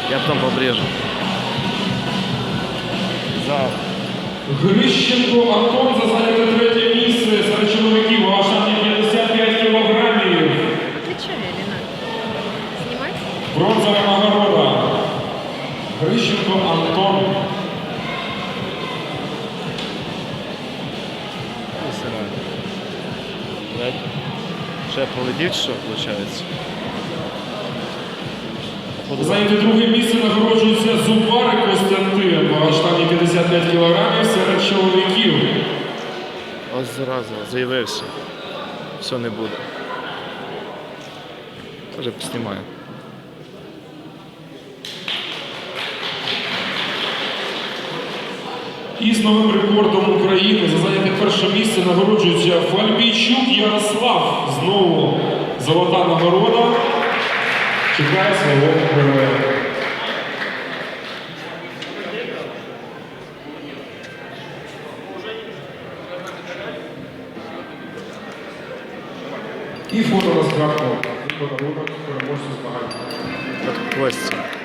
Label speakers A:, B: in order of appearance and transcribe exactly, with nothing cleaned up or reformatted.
A: Я потом побрежу. Зал.
B: Грищенко Антон за зайняте третє місце серед чоловіків у штаті п'ятдесят п'ять кілограмів.
C: Отвечай, Алина. Снимать?
B: Бронзова нагорода. Грищенко Антон.
A: Ще полетів, що виходить?
B: Зайняте друге місце нагороджується Зубарик Костянтин у штаті п'ятдесят п'ять кілограмів серед чоловіків.
A: Ось зразу заявився. Все, не буде. Тоже поснімаю.
B: І з новим рекордом України за зайняте перше місце нагороджується Фальбійчук Ярослав. Знову золота нагорода. Чекає свого героя. І фото на згадку. І подарунок переможцю змагань.
A: От Костя.